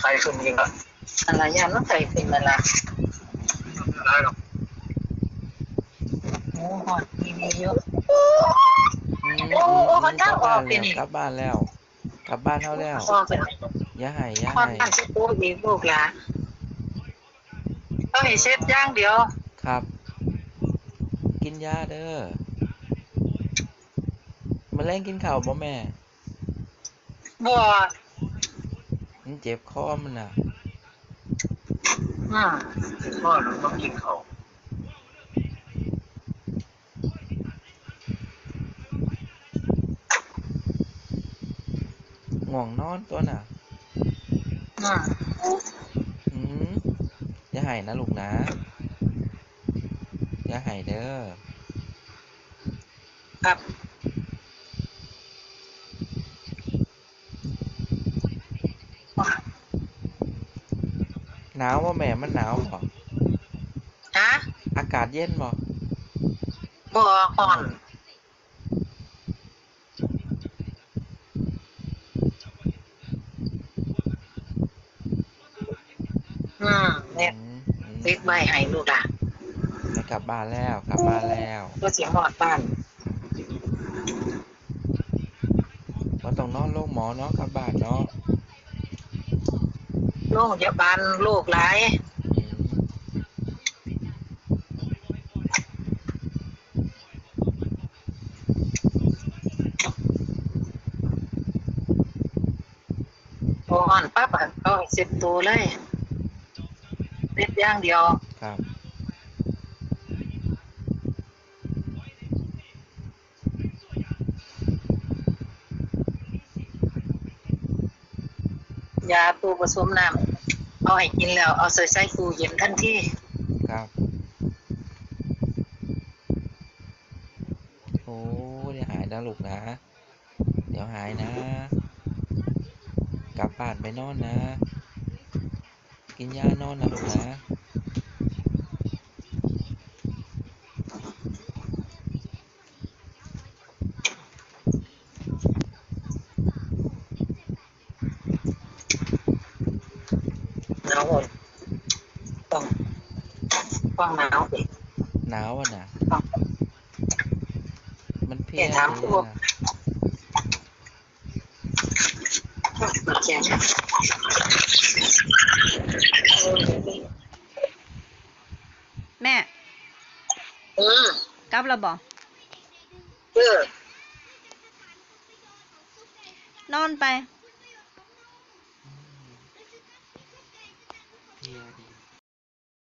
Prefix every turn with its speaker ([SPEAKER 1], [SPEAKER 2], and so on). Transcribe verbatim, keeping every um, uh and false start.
[SPEAKER 1] ข่ขึ้นยิงอ่ะ
[SPEAKER 2] อะไรยามต้องใส่เป็นมาละ
[SPEAKER 1] ได้หรอก
[SPEAKER 2] โอ้หอดมีมีเยอะ
[SPEAKER 3] อืม
[SPEAKER 2] โอ้
[SPEAKER 3] อืม
[SPEAKER 2] โอ้
[SPEAKER 3] อืมกลั
[SPEAKER 2] เขาเจ้าอ
[SPEAKER 3] บบ้านแล้ว
[SPEAKER 2] อกไปนี่
[SPEAKER 3] กลับบ้านแล้วกลับบ้านเฮาแล้ว
[SPEAKER 2] ออกไป
[SPEAKER 3] อย่าให้อย่า
[SPEAKER 2] หอด
[SPEAKER 3] ให้
[SPEAKER 2] บ้านสิโก้อีกลูกหลานต้องให้เช็ดย่างเดียว
[SPEAKER 3] ครับ กินยาเด้อมื้อแลงกินข้าวบ่แม่
[SPEAKER 2] บัว
[SPEAKER 3] มันเจ็บคอมันน่ะ
[SPEAKER 2] อืม
[SPEAKER 1] พ่อหนูต้องกินเขา
[SPEAKER 3] ง่วงนอนตัวน่ะ
[SPEAKER 2] อืม
[SPEAKER 3] อืมอย่าให้นะลูกนะอย่าให้เด้อ
[SPEAKER 2] ครับ
[SPEAKER 3] หนาวบ่แม่มันหนาวบ่
[SPEAKER 2] ฮะ
[SPEAKER 3] อากาศเย็นบ่
[SPEAKER 2] บัวห่อนอืม
[SPEAKER 3] อื
[SPEAKER 2] เนี่ย
[SPEAKER 3] มอืม
[SPEAKER 2] ติดใบให้ลูกหลาน
[SPEAKER 3] ไม่กลับบ้านแล้วกลับบ้านแล้ว
[SPEAKER 2] ก็เสียงหอดบ้าน
[SPEAKER 3] บ่ต้องนอนโรงหมอเนาะกลับบ้านเนาะ
[SPEAKER 2] โรงพยาบาลโรคหลาย
[SPEAKER 3] อืม
[SPEAKER 2] พอห่อนปั๊บอะเอาให้เสร็จตัวเลยเสร็จอย่างเดียว
[SPEAKER 3] ครับ
[SPEAKER 2] ยาตัวผสมน้ำเอาให้กินแล้วเอาใส่ใส่ตู้เย็นทันที
[SPEAKER 3] ครับโอ้เดี๋ยวหายนะลูกนะเดี๋ยวหายนะกลับบ้านไปนอนนะกินยานอนนะลูกนะ
[SPEAKER 2] หนาวหมดต้องต้องหนาวสิ
[SPEAKER 3] หนาวอ่ะนะ
[SPEAKER 2] ต้อง
[SPEAKER 3] มันเพลี
[SPEAKER 2] เดี๋ย
[SPEAKER 3] ย
[SPEAKER 2] วถาม
[SPEAKER 3] ดี
[SPEAKER 2] ตัว
[SPEAKER 3] นะ
[SPEAKER 2] แข็ง
[SPEAKER 4] แม่
[SPEAKER 2] อืม
[SPEAKER 4] กลับแล้วบ่
[SPEAKER 2] เออน
[SPEAKER 4] อนไป
[SPEAKER 3] เพลียดี